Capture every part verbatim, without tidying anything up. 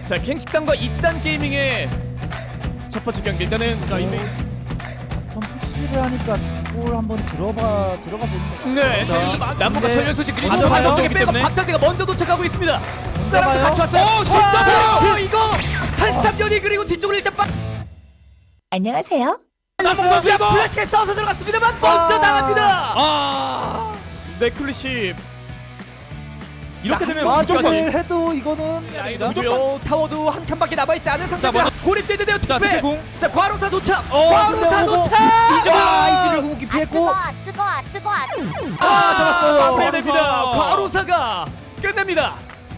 자, 갱식당과 이딴 게이밍의 첫 번째 경기. 일단은 자, 이미 푸시를 하니까 볼 한번 들어봐 들어가 보는 거. 네, 자, 남부가 근데 전면 소식 그리고 맞아요. 반대 쪽에 때문에. 빼고 박장대가 먼저 도착하고 있습니다. 스타랑도 같이 왔어요. 어, 진짜요? 어, 이거 살상전이 그리고 뒤쪽으로 일단 빡. 안녕하세요. 야, 플래시가 싸워서 들어갔습니다만 먼저 아. 나갑니다. 아 네클리시 이렇게 자, 되면 한 무조건 마크를 해도 이거는 무조건 타워도 한 칸밖에 남아있지 않은 상태입니다. 고립되는데요. 자, 특배. 특배공. 자, 과로사 도착. 어, 과로사 근데 오고. 도착. 이제 이지를 궁극기 아 피했고 뜨거 아 뜨거 아 뜨거 아 뜨거. 아, 잡았어요. 마무리됩니다. 과로사. 과로사가 끝냅니다.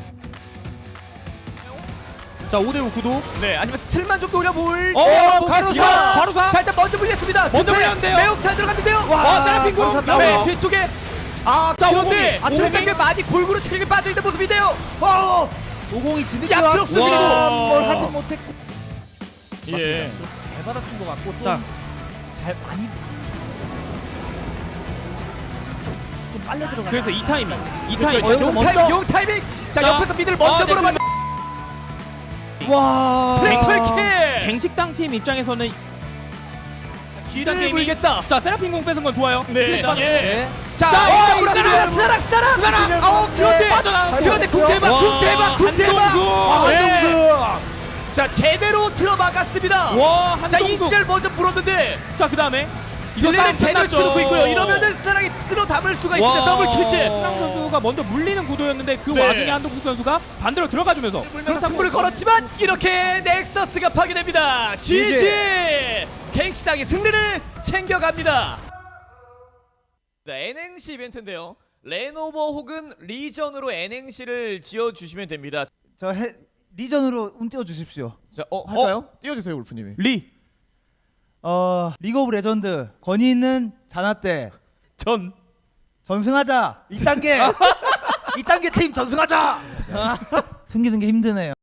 자 오 대 오 구도. 네, 아니면 스틸만 좀 노려볼. 어, 과로사. 과로사. 자, 일단 먼저 물렸습니다. 먼저 특배. 물렸는데요. 매우 잘 들어갔는데요. 와, 세라핀 공. 과로사 네, 나와요. 뒤쪽에 아, 자, 그런데 오공이. 앞쪽에 오공이. 꽤 많이 골고루 체력이 빠져있는 모습인데요. 어, 오공이 뒤늦게 야, 왔고 플러스 그리고. 뭘 하지 못했고 예. 잘 받아친 것 같고 좀 자. 잘 많이 좀 빨려 들어가. 그래서 이 타이밍. 이 그렇죠. 타이밍. 용 먼저. 타이밍, 용 타이밍. 자, 자. 옆에서 미들 먼저 아, 네, 물어봐. 와 트리플킬. 갱식당 팀 입장에서는 뒤를 게임이- 물겠다. 자 세라핀 공 뺏은 건 좋아요. 네. 자, 예. 자, 자, 어, 어, 스타랑, 스타랑. 스타랑, 스타랑, 스타랑. 어, 그런데, 빠져나가고. 그런데 궁대박, 와, 궁대박, 궁대박. 한동수. 아, 네. 한동수. 자, 제대로 들어막았습니다. 와 자, 한동수. 이지를 먼저 물었는데, 자 그다음에 이거 딜레는 싸움 제대로 끝났죠. 시켜놓고 있고요. 이러면은 스타랑이 쓸어 담을 수가 있습니다. 더블 킬즈. 한동 선수가 먼저 물리는 구도였는데 그 네. 와중에 한동수 선수가 반대로 들어가주면서 물면서 승부를 걸었지만 이렇게 넥서스가 파괴됩니다. 지지. 갱치당이 승리를 챙겨갑니다. 네, 엔행시 이벤트인데요. 레노버 혹은 리전으로 엔행시를 지어주시면 됩니다. 저 해, 리전으로 운 띄워 주십시오. 자, 어, 할까요? 어, 띄워주세요, 울프님이. 리 어 리그 오브 레전드 권위 있는 자나때 전. 전승하자 이 단계 이 단계 팀 전승하자. 숨기는 게 힘드네요.